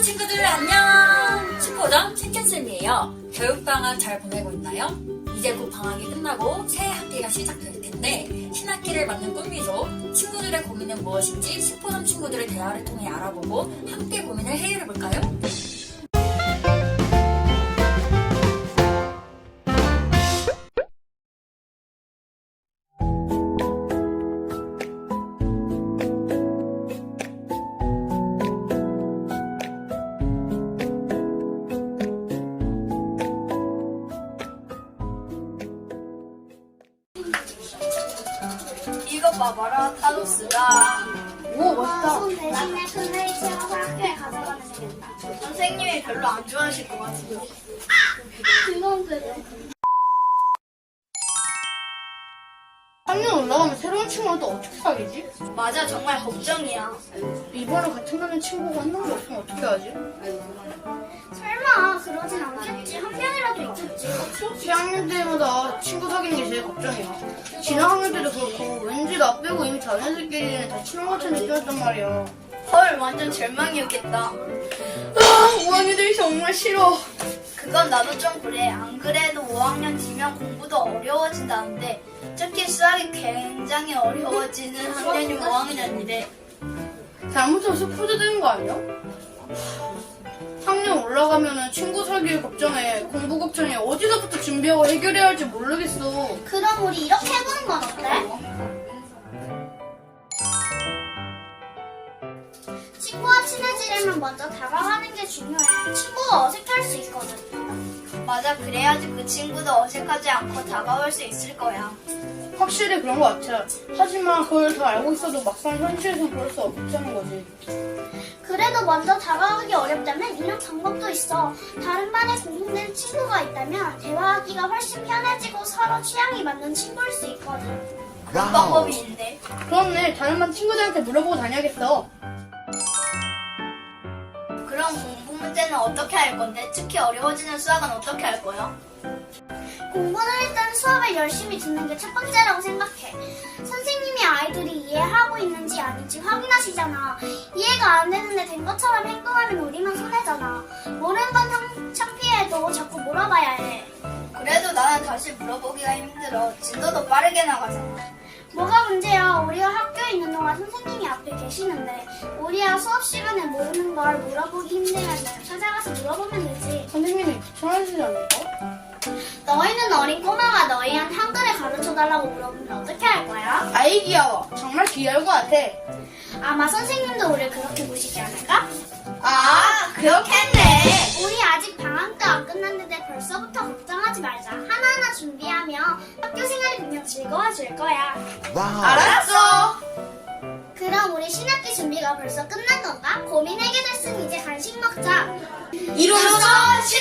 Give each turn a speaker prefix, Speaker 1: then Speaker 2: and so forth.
Speaker 1: 친구들 안녕! 슈퍼점 챔피언쌤이에요. 교육방학 잘 보내고 있나요? 이제 곧 방학이 끝나고 새 학기가 시작될 텐데 신학기를 맞는 꿈미소 친구들의 고민은 무엇인지 슈퍼점 친구들의 대화를 통해 알아보고 함께 고민을 해결해볼까요?
Speaker 2: 이거 봐봐라, 타노스가.
Speaker 3: 오, 멋있다.
Speaker 4: 손 대신에 플레이 채워서 학교에 가져가면 되겠다.
Speaker 2: 선생님이 별로 안 좋아하실 것 같은데.
Speaker 4: 그건 그래.
Speaker 3: 학년 올라가면 새로운 친구는 또 어떻게 사귀지?
Speaker 2: 맞아, 정말 걱정이야.
Speaker 3: 이번에 같은 반에 친구가 한 명도 없으면 어떻게 하지?
Speaker 4: 설마 그러진 않겠지. 한 명이라도 있겠지.
Speaker 3: 2학년 때마다 친구 사귀는 게 제일 걱정이야. 지난 학년 때도 그렇고 왠지 나 빼고 이미 다른 애들끼리는 다 친한 것 같은 느낌이었단 말이야.
Speaker 2: 헐, 완전 절망이었겠다.
Speaker 3: 5학년들이 정말 싫어.
Speaker 2: 그건 나도 좀 그래. 안 그래도 5학년 뒤면 공부도 어려워진다는데 특히 수학이 굉장히 어려워지는 학년이 5학년이래.
Speaker 3: 잘못하면 스포드 되는 거 아니야? 학년 올라가면은 친구 사귀기 걱정해, 공부 걱정해, 어디서부터 준비하고 해결해야 할지 모르겠어.
Speaker 4: 그럼 우리 이렇게 해보는 건 어때? 친구와 친해지려면 먼저 다가가는 게 중요해. 친구가 어색할 수 있거든.
Speaker 2: 맞아, 그래야지 그 친구도 어색하지 않고 다가올 수 있을 거야.
Speaker 3: 확실히 그런 것 같아. 하지만 그걸 다 알고 있어도 막상 현실에선 그럴 수 없다는 거지.
Speaker 4: 그래도 먼저 다가가기 어렵다면 이런 방법도 있어. 다른 반에 공통된 친구가 있다면 대화하기가 훨씬 편해지고 서로 취향이 맞는 친구일 수 있거든.
Speaker 2: 그런 방법이 있는데.
Speaker 3: 그렇네. 다른 반 친구들한테 물어보고 다녀야겠어.
Speaker 2: 그럼 공부 문제는 어떻게 할 건데? 특히 어려워지는 수학은 어떻게 할 거야?
Speaker 4: 공부는 일단 수업을 열심히 듣는 게 첫 번째라고 생각해. 선생님이 아이들이 이해하고 있는지 아닌지 확인하시잖아. 이해가 안 되는데 된 것처럼 행동하면 우리만 손해잖아. 모르는 건 창피해도 자꾸 물어봐야 해.
Speaker 2: 그래도 나는 다시 물어보기가 힘들어. 진도도 빠르게 나가잖아.
Speaker 4: 뭐가 문제야? 우리가 학교에 있는 동안 선생님이 앞에 계시는데 우리야 수업 시간에 모르는 걸 물어보기 힘들면 찾아가서 물어보면 되지.
Speaker 3: 선생님이 귀찮아지지 않을까?
Speaker 4: 너희는 어린 꼬마가 너희한테 한글을 가르쳐달라고 물어보면 어떻게 할 거야?
Speaker 3: 아이 귀여워. 정말 귀여울 것 같아.
Speaker 4: 아마 선생님도 우리를 그렇게 보시지 않을까?
Speaker 2: 아, 그렇겠네.
Speaker 4: 우리 아직 방학도 안 끝났는데 벌써부터 걱정하지 말자. 하나하나 준비하면 학교 생활이 분명 즐거워질 거야.
Speaker 2: 알았어.
Speaker 4: 그럼 우리 신학기 준비가 벌써 끝난 건가? 고민 해결했으니 이제 간식 먹자.
Speaker 2: 이로써